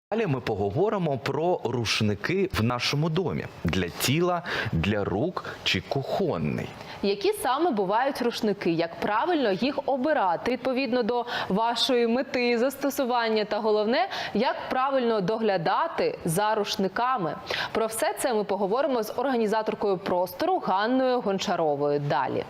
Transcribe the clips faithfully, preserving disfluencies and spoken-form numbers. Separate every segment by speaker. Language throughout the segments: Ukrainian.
Speaker 1: Далі ми поговоримо про рушники в нашому домі для тіла, для рук чи кухонний.
Speaker 2: Які саме бувають рушники, як правильно їх обирати відповідно до вашої мети, застосування та головне, як правильно доглядати за рушниками. Про все це ми поговоримо з організаторкою простору Ганною Гончаровою далі.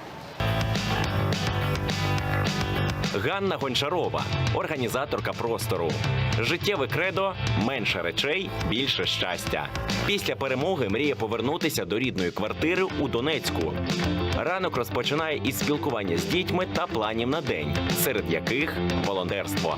Speaker 3: Ганна Гончарова – організаторка простору. Життєве кредо – менше речей, більше щастя. Після перемоги мріє повернутися до рідної квартири у Донецьку. Ранок розпочинає із спілкування з дітьми та планів на день, серед яких – волонтерство.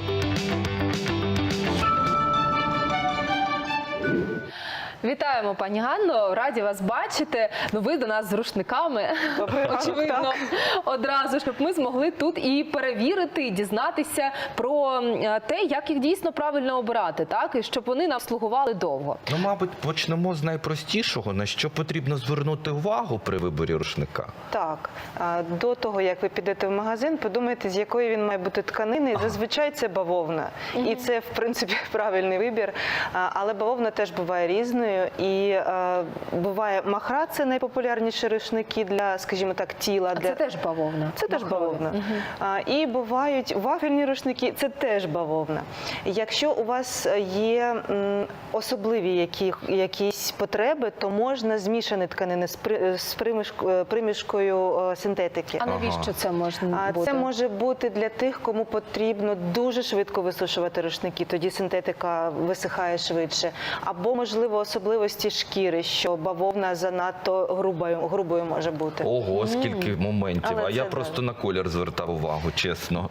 Speaker 2: Вітаємо, пані Ганно, раді вас бачити. Ну, ви до нас з рушниками, очевидно, одразу, щоб ми змогли тут і перевірити, і дізнатися про те, як їх дійсно правильно обирати, так? І щоб вони нам слугували довго.
Speaker 1: Ну, мабуть, почнемо з найпростішого, на що потрібно звернути увагу при виборі рушника.
Speaker 4: Так, до того, як ви підете в магазин, подумайте, з якої він має бути тканини. Ага. Зазвичай це бавовна. Угу. І це, в принципі, правильний вибір. Але бавовна теж буває різною. І е, буває махра, це найпопулярніші рушники для, скажімо так, тіла.
Speaker 2: А
Speaker 4: для...
Speaker 2: це теж бавовна?
Speaker 4: Це теж бавовна. Угу. А, і бувають вафельні рушники, це теж бавовна. Якщо у вас є м, особливі які, якісь потреби, то можна змішані тканини з, при, з примішкою, примішкою е, синтетики.
Speaker 2: А навіщо ага. це можна бути?
Speaker 4: Це може бути для тих, кому потрібно дуже швидко висушувати рушники, тоді синтетика висихає швидше. Або, можливо, особливості шкіри, що бавовна занадто грубою, грубою може бути.
Speaker 1: Ого, скільки моментів.
Speaker 4: Але
Speaker 1: а я
Speaker 4: це
Speaker 1: просто
Speaker 4: так.
Speaker 1: на колір звертав увагу, чесно.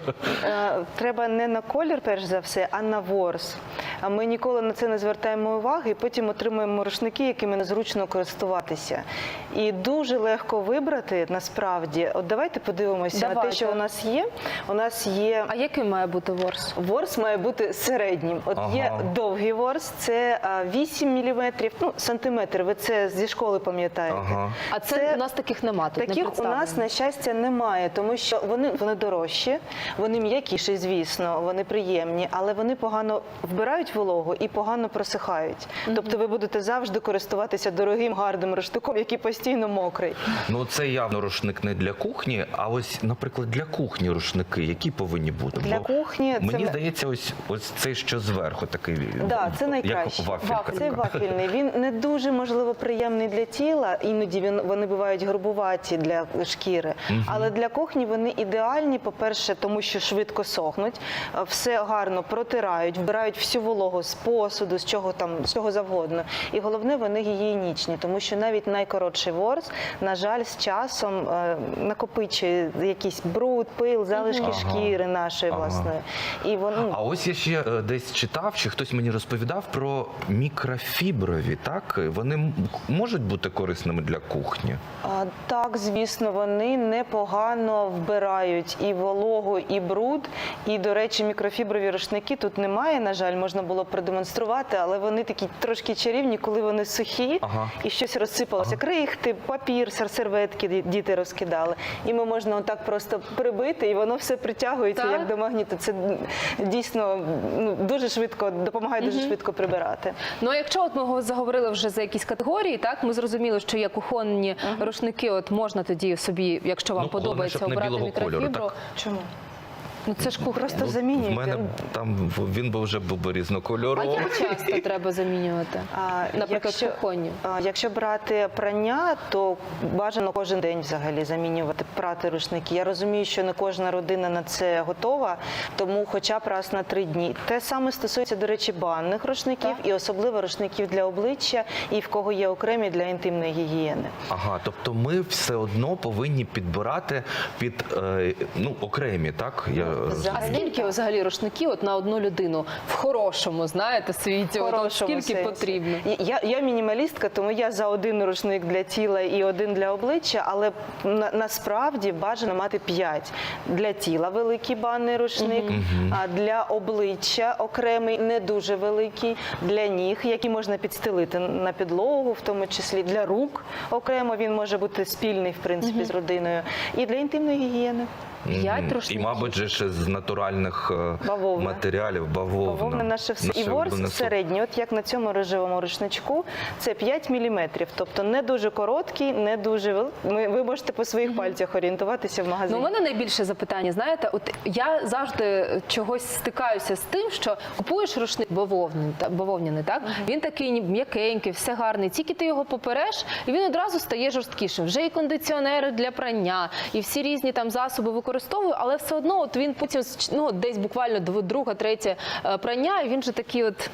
Speaker 4: Треба не на колір, перш за все, а на ворс. Ми ніколи на це не звертаємо уваги, і потім отримуємо рушники, якими незручно користуватися. І дуже легко вибрати, насправді. От давайте подивимося давайте. на те, що у нас є. У нас є...
Speaker 2: А який має бути ворс?
Speaker 4: Ворс має бути середнім. От ага. є довгий ворс, це вісім міліметрів, ну, сантиметр, ви це зі школи пам'ятаєте. Ага.
Speaker 2: А це, це у нас таких немає, тут
Speaker 4: таких
Speaker 2: не
Speaker 4: у нас, на щастя, немає, тому що вони, вони дорожчі, вони м'якіші, звісно, вони приємні, але вони погано вбирають вологу і погано просихають. Mm-hmm. Тобто ви будете завжди користуватися дорогим, гарним рушником, який постійно мокрий.
Speaker 1: Ну, це явно рушник не для кухні, а ось, наприклад, для кухні рушники, які повинні бути?
Speaker 4: Для
Speaker 1: Бо
Speaker 4: кухні...
Speaker 1: Мені
Speaker 4: це...
Speaker 1: здається, ось, ось цей, що зверху, такий,
Speaker 4: да, це найкраще.
Speaker 1: як вафелька.
Speaker 4: Це вафельний. Він не дуже, можливо, приємний для тіла, іноді він, вони бувають грубуваті для шкіри, угу. але для кухні вони ідеальні, по-перше, тому що швидко сохнуть, все гарно протирають, вбирають всю вологу з посуду, з чого там, з чого завгодно. І головне, вони гігієнічні, тому що навіть найкоротший ворс, на жаль, з часом е, накопичує якийсь бруд, пил, залишки ага. шкіри нашої ага. власної. І вони...
Speaker 1: А ось я ще десь читав, чи хтось мені розповідав про мікрофіброві, так? Вони можуть бути корисними для кухні?
Speaker 4: А, так, звісно, вони непогано вбирають і вологу, і бруд. І, до речі, мікрофіброві рушники тут немає, на жаль, можна було продемонструвати, але вони такі трошки чарівні, коли вони сухі ага. і щось розсипалося. Ага. Крихти, папір, серветки діти розкидали. І ми можна отак просто прибити, і воно все притягується, так? як до магніту. Це дійсно ну, дуже швидко, допомагає угу. дуже швидко прибирати.
Speaker 2: Ну, а якщо от ми заговорили вже за якісь категорії, так, ми зрозуміли, що є кухонні uh-huh. рушники, от можна тоді собі, якщо вам ну, подобається, обрати мікрофібру.
Speaker 4: Чому?
Speaker 2: Ну це ж кухня.
Speaker 4: Просто
Speaker 1: ну,
Speaker 4: замінюєте.
Speaker 1: В мене там він би вже був різнокольоровий.
Speaker 2: А як часто треба замінювати? А, Наприклад,
Speaker 4: якщо,
Speaker 2: кухонні.
Speaker 4: А, якщо брати прання, то бажано кожен день взагалі замінювати, прати рушники. Я розумію, що не кожна родина на це готова, тому хоча б раз на три дні. Те саме стосується, до речі, банних рушників так. і особливо рушників для обличчя, і в кого є окремі для інтимної гігієни.
Speaker 1: Ага, тобто ми все одно повинні підбирати під е, ну, окремі, так? Я
Speaker 2: А скільки взагалі рушників от на одну людину в хорошому, знаєте, світі? От скільки сенсі. потрібно?
Speaker 4: Я, я мінімалістка, тому я за один рушник для тіла і один для обличчя, але на, насправді бажано мати п'ять. Для тіла великий банний рушник, угу. а для обличчя окремий, не дуже великий, для ніг, які можна підстелити на підлогу, в тому числі для рук окремо, він може бути спільний, в принципі, угу. з родиною, і для інтимної гігієни.
Speaker 2: П'ять
Speaker 1: Мгм. І,
Speaker 2: рушників.
Speaker 1: мабуть, же ще з натуральних е,
Speaker 4: Бавовна.
Speaker 1: матеріалів, бавовна.
Speaker 4: Бавовна наше все. І ворс
Speaker 1: улюблене слово.
Speaker 4: середній, от як на цьому рожевому рушничку, це п'ять міліметрів. Тобто не дуже короткий, не дуже великий. Ви можете по своїх пальцях орієнтуватися в магазині.
Speaker 2: Ну, у мене найбільше запитання, знаєте, от я завжди чогось стикаюся з тим, що купуєш рушник бавовняний, та- бавовняний, так? Він такий ні- м'якенький, все гарний. Тільки ти його попереш, і він одразу стає жорсткішим. Вже і кондиціонери для прання, і всі різні там засоби використовую, але все одно от він потім, ну, десь буквально дв- друге, третє е, прання, і він же такий от...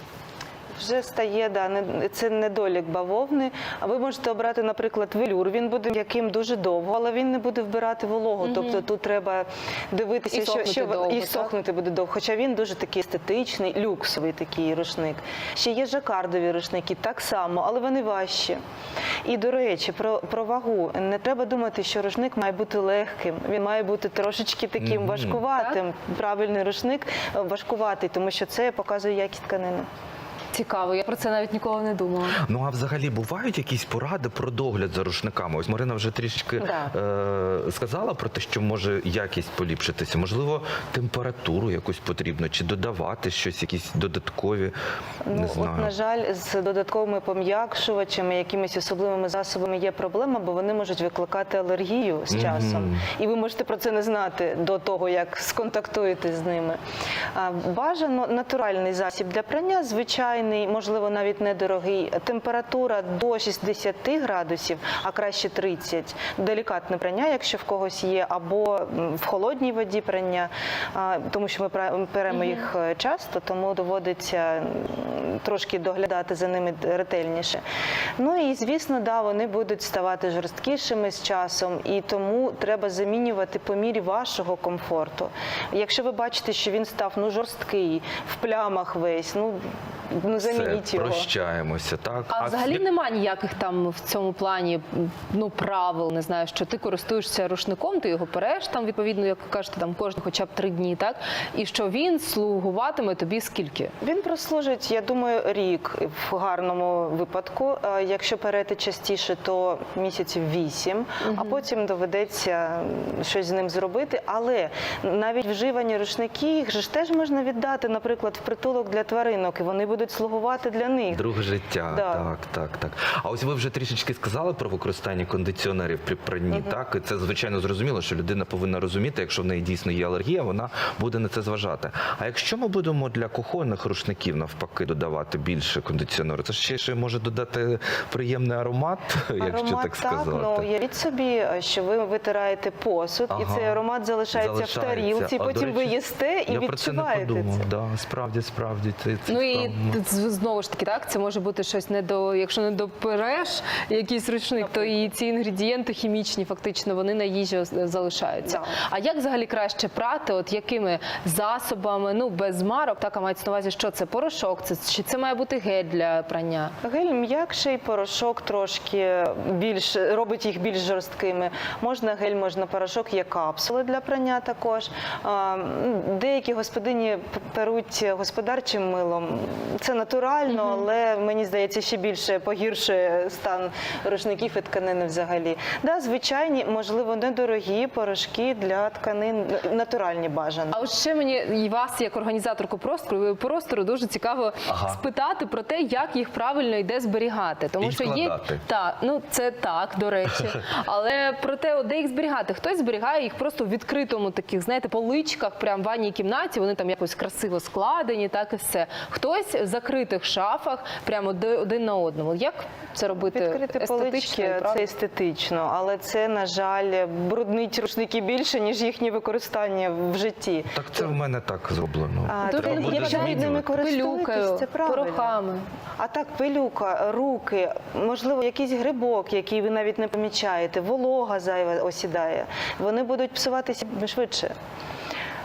Speaker 4: Вже стає, да, не- це недолік бавовни. А ви можете обрати, наприклад, велюр. Він буде м'яким дуже довго, але він не буде вбирати вологу. Тобто тут треба дивитися,
Speaker 2: І
Speaker 4: що,
Speaker 2: сохнути
Speaker 4: що
Speaker 2: довго,
Speaker 4: і
Speaker 2: так?
Speaker 4: сохнути буде довго. Хоча він дуже такий естетичний, люксовий такий рушник. Ще є жакардові рушники, так само, але вони важчі. І, до речі, про, про вагу. Не треба думати, що рушник має бути легким. Він має бути трошечки таким
Speaker 1: Мгм.
Speaker 4: важкуватим. Правильний рушник е, важкуватий, тому що це показує якість тканини.
Speaker 2: Цікаво, я про це навіть ніколи не думала.
Speaker 1: Ну а взагалі бувають якісь поради про догляд за рушниками? Ось Марина вже трішки
Speaker 4: Да.
Speaker 1: е- сказала про те, що може якість поліпшитися. Можливо, температуру якусь потрібно, чи додавати щось, якісь додаткові, не
Speaker 4: Ну,
Speaker 1: знаю.
Speaker 4: от, на жаль, з додатковими пом'якшувачами, якимись особливими засобами є проблема, бо вони можуть викликати алергію з
Speaker 1: Мгм.
Speaker 4: часом. І ви можете про це не знати до того, як сконтактуєте з ними. А, Бажано натуральний засіб для прання, звичайний, можливо, навіть недорогий. Температура до шістдесят градусів, а краще тридцять. Делікатне прання, якщо в когось є, або м, в холодній воді прання, а, тому що ми пра- перемо їх е, часто, тому доводиться м, трошки доглядати за ними ретельніше. Ну і, звісно, да, вони будуть ставати жорсткішими з часом, і тому треба замінювати по мірі вашого комфорту. Якщо ви бачите, що він став ну, жорсткий, в плямах весь, ну, ну замініть
Speaker 1: Все,
Speaker 4: його.
Speaker 1: прощаємося, так?
Speaker 2: А взагалі
Speaker 1: як-
Speaker 2: нема ніяких там в цьому плані ну правил, не знаю, що ти користуєшся рушником, ти його переш там відповідно, як ви кажете, там кожен хоча б три дні, так? І що він слугуватиме тобі скільки?
Speaker 4: Він прослужить, я думаю, рік в гарному випадку. Е, Якщо перейти частіше, то місяців вісім, а потім доведеться щось з ним зробити. Але навіть вживані рушники, їх же ж теж можна віддати, наприклад, в притулок для тваринок, і вони будуть слугувати для них.
Speaker 1: Друге життя,
Speaker 4: Да.
Speaker 1: так, так, так. А ось ви вже трішечки сказали про використання кондиціонерів при пранні, так? І це, звичайно, зрозуміло, що людина повинна розуміти, якщо в неї дійсно є алергія, вона буде на це зважати. А якщо ми будемо для кухонних рушників, навпаки, додавати більше кондиціонеру, це ж ще, ще може додати приємний аромат, якщо
Speaker 4: Аромат,
Speaker 1: так сказати.
Speaker 4: ну, уявіть собі, що ви витираєте посуд, і
Speaker 1: Ага.
Speaker 4: цей аромат залишається,
Speaker 1: Залишається.
Speaker 4: в тарілці,
Speaker 1: А,
Speaker 4: потім
Speaker 1: до
Speaker 4: ви
Speaker 1: речі,
Speaker 4: їсте і
Speaker 1: я про це не
Speaker 4: відчуваєте
Speaker 1: подумав.
Speaker 4: це.
Speaker 1: Да, справді, справді. Це, це
Speaker 2: Ну і
Speaker 1: справді.
Speaker 2: т- з- знову ж таки, так, це може бути щось не до, якщо не допереш якийсь рушник, то і ці інгредієнти хімічні, фактично, вони на їжі ос- залишаються.
Speaker 4: Да.
Speaker 2: А як взагалі краще прати? От якими засобами, ну без марок, так, а мається на увазі, що це порошок, це чи це має бути гель для прання?
Speaker 4: Гель м'якший, порошок трошки більш робить їх більш жорсткими. Можна гель, можна порошок, є капсули для прання також. А, м, Деякі господині п- перуть господарчим милом. Це натурально, але мені здається, ще більше погіршує стан рушників і тканини взагалі. Да, звичайні, можливо, недорогі порошки для тканин, натуральні бажано.
Speaker 2: А от ще мені і вас, як організаторку простору, простору дуже цікаво
Speaker 1: Ага.
Speaker 2: спитати про те, як їх правильно йде зберігати. Тому
Speaker 1: І
Speaker 2: що є
Speaker 1: складати.
Speaker 2: так, ну це так, до речі. Але про те, от де їх зберігати, хтось зберігає їх просто в відкритому таких, знаєте, поличках, прямо в ванній кімнаті. Вони там якось красиво складені, так і все. Хтось в закритих шафах, прямо де- один на одному. Як це робити
Speaker 4: Відкрити
Speaker 2: естетично і
Speaker 4: полички –
Speaker 2: правильно?
Speaker 4: це естетично, але це, на жаль, бруднить рушники більше, ніж їхнє використання в житті.
Speaker 1: Так це в мене так зроблено.
Speaker 4: А,
Speaker 2: Дуже
Speaker 4: то,
Speaker 1: буде
Speaker 4: якщо ви ними
Speaker 1: змінювати.
Speaker 4: користуєтесь,
Speaker 2: Пилюкою,
Speaker 4: це правильно.
Speaker 2: порохами.
Speaker 4: А так, пилюка, руки, можливо, якийсь грибок, який ви навіть не помічаєте, волога зайва осідає. Вони будуть псуватися швидше.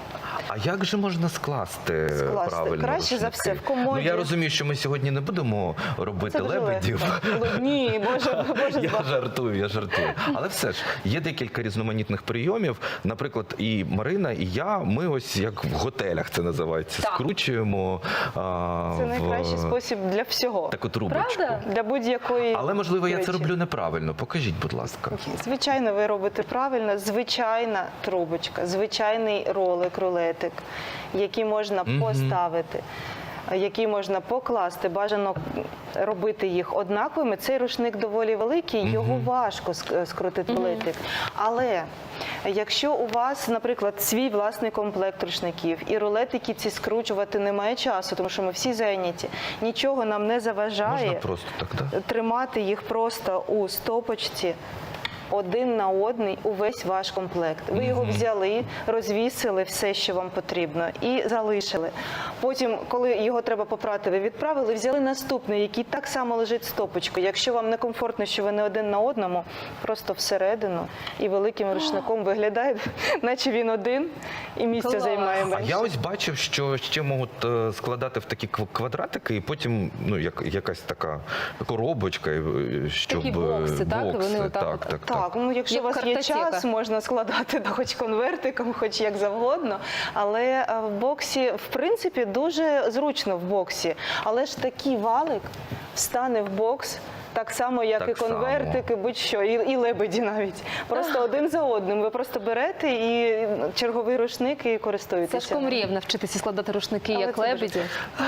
Speaker 1: А як же можна скласти,
Speaker 4: Скласти?
Speaker 1: правильно
Speaker 4: Краще за
Speaker 1: рушники?
Speaker 4: все в комоді.
Speaker 1: Ну я розумію, що ми сьогодні не будемо робити
Speaker 4: Це дуже
Speaker 1: лебедів.
Speaker 4: легко. Ні, Боже, Боже,
Speaker 1: Я
Speaker 4: збав.
Speaker 1: жартую, я жартую. Але все ж є декілька різноманітних прийомів. Наприклад, і Марина, і я. Ми ось як в готелях це називається.
Speaker 2: Так.
Speaker 1: Скручуємо а,
Speaker 4: Це
Speaker 1: в
Speaker 4: найкращий спосіб для всього.
Speaker 1: таку трубочку.
Speaker 2: Правда?
Speaker 4: Для будь-якої
Speaker 1: Але можливо я це
Speaker 4: речі.
Speaker 1: роблю неправильно. Покажіть, будь ласка.
Speaker 4: Звичайно, ви робите правильно. Звичайна трубочка, звичайний ролик, рулетик, який можна
Speaker 1: Мгм.
Speaker 4: поставити, який можна покласти. Бажано робити їх однаковими. Цей рушник доволі великий, його важко ск- скрутити рулетик. Але якщо у вас, наприклад, свій власний комплект рушників і рулетики ці скручувати немає часу, тому що ми всі зайняті, нічого нам не заважає
Speaker 1: Можна просто так, так?
Speaker 4: тримати їх просто у стопочці один на один увесь ваш комплект. Ви його взяли, розвісили все, що вам потрібно, і залишили. Потім, коли його треба попрати, ви відправили, взяли наступний, який так само лежить стопочкою. Якщо вам не комфортно, що ви не один на одному, просто всередину і великим рушником виглядає, наче він один і місце
Speaker 2: Клас.
Speaker 4: займає
Speaker 1: А
Speaker 4: менше.
Speaker 1: я ось бачив, що ще можуть е, складати в такі кв- квадратики, і потім ну як якась така коробочка, е, щоб
Speaker 2: Такі бокси, так?
Speaker 1: бокси,
Speaker 2: Вони отак
Speaker 1: так,
Speaker 2: от-
Speaker 1: так, так.
Speaker 4: Так, ну якщо
Speaker 2: Як
Speaker 4: у вас є
Speaker 2: картотека.
Speaker 4: час, можна складати да, хоч конвертиком, хоч як завгодно. Але е, в боксі, в принципі, дуже зручно в боксі. Але ж такий валик встане в бокс. Так само, як
Speaker 1: Так
Speaker 4: і конвертики, будь-що, і, і лебеді навіть. Просто один за одним. Ви просто берете і черговий рушник і користуєтеся.
Speaker 2: Сашко мріяв навчитися складати рушники,
Speaker 4: Але
Speaker 2: як
Speaker 4: це дуже
Speaker 2: лебеді.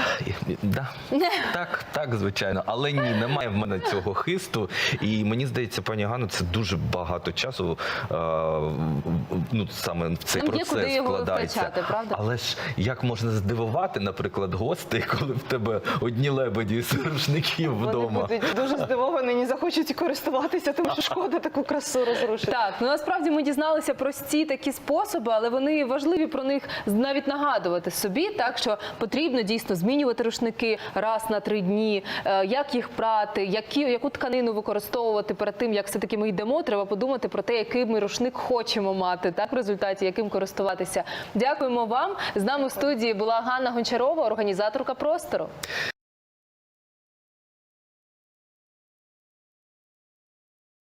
Speaker 1: Да. Так, так, звичайно. Але ні, немає в мене цього хисту. І мені здається, пані Ганно, це дуже багато часу е, ну, саме в цей
Speaker 2: Там є
Speaker 1: процес
Speaker 2: куди його
Speaker 1: вкладається.
Speaker 2: втрачати, правда?
Speaker 1: Але ж як можна здивувати, наприклад, гостей, коли в тебе одні лебеді з рушників
Speaker 4: Вони
Speaker 1: вдома?
Speaker 4: будуть дуже здивовані, не захочуть користуватися, тому що шкода таку красу розрушити.
Speaker 2: Так, ну насправді ми дізналися прості такі способи, але вони важливі про них навіть нагадувати собі, так що потрібно дійсно змінювати рушники раз на три дні, е, як їх прати, які, яку тканину використовувати перед тим, як все-таки ми йдемо, треба подумати про те, який ми рушник хочемо мати, так, в результаті, яким користуватися. Дякуємо вам. З нами в студії була Ганна Гончарова, організаторка «Простору».